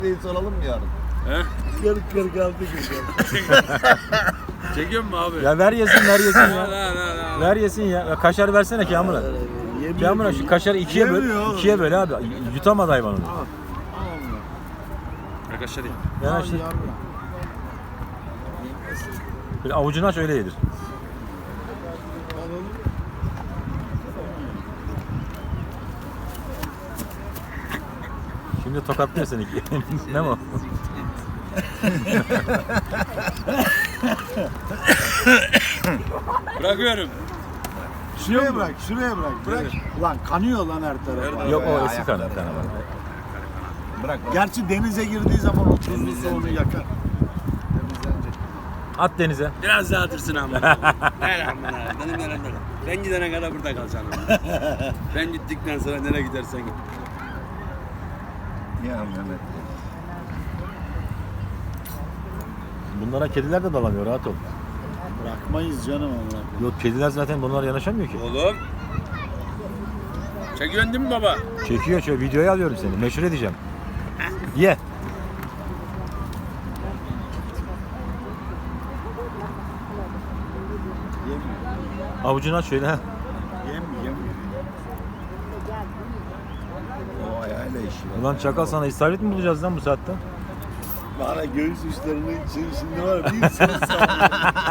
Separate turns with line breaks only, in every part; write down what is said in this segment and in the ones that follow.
soralım mı yarın?
He?
40-46 güzel.
Çekiyor mu abi?
Ya ver yesin ya.
La.
Ver yesin ya. Ya kaşar versene Kamil'a. Kamil'a şu kaşarı ikiye böl. İkiye böl abi. Yutamadı hayvan onu.
Arkadaşlar değil.
Yanaştır. Bir avucunu aç öyle yedir. Şimdi tokatlıyor seni. Ne o?
Bırakıyorum.
Şuraya bırak, şuraya bırak. Bırak. Ulan kanıyor lan her taraf.
Yok o eski kanı.
Bırak.
Gerçi denize girdiği zaman o tuzlu su onu yakar.
At denize.
Biraz daha atırsın ama. Ver amına. Benim yanımda kal. Ben gidene kadar burada kalacaksın ama. Ben gittikten sonra nereye gidersen git.
Ya Mehmet.
Bunlara kediler de dalamıyor, rahat ol.
Bırakmayız canım Allah.
Yok kediler zaten bunlar yanaşamıyor ki.
Oğlum. Çekiyorsun değil mi baba?
Çekiyor şöyle videoya alıyorum seni. Meşhur edeceğim. Ye. Avucunu aç şöyle ha.
Yemiyor.
O ayağıyla işi.
Ulan çakal sana isabet mi bulacağız lan bu saatte?
Bana göğüs uçlarını şimdi var ya, bir sürü sağlıyor.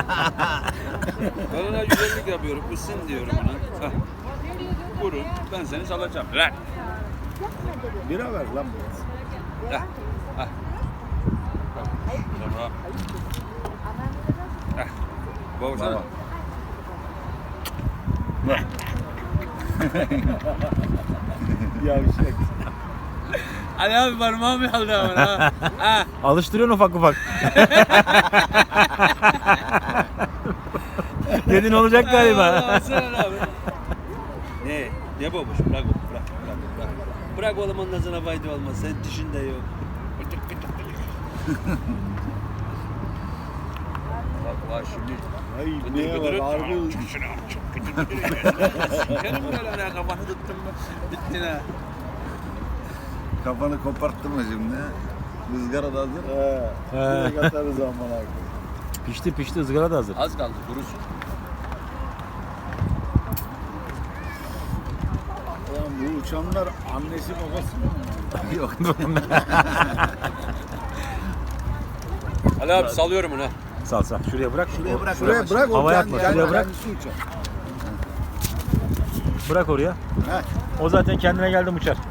Ben ona güzellik yapıyorum. Isın diyorum ona. Hah. Vurun. Ben seni salacağım. Lan.
Bira ver lan biraz.
Hah. Hah. Tamam. Hah. Baba sana.
Baba.
Yavşak.
Ali abi parmağımı aldı ama ha. Ha.
Alıştırıyorsun ufak ufak. Dedin olacak galiba.
Alsana abi. Ne babuş? Bırak. Bırak oğlum, ondan sana fayda olmaz. Sen dişin de yok. Bak şimdi.
Ay neye var? Harbi
Sikerim böyle ne kafanı tuttum mu? Bittin ha.
Kafanı koparttırma şimdi. Rızgara da hazır.
Direkt atarız aman abi.
Pişti ızgara da hazır.
Az kaldı kurusun.
Ulan bu uçanlar annesi babası mı?
Yok.
Ali abi salıyorum onu.
Sal. Şuraya bırak.
Şuraya bırak.
Havaya
o
atma,
kendi-
şuraya bırak.
kendisi uçar.
Bırak oraya.
Heh.
O zaten kendine geldi uçar.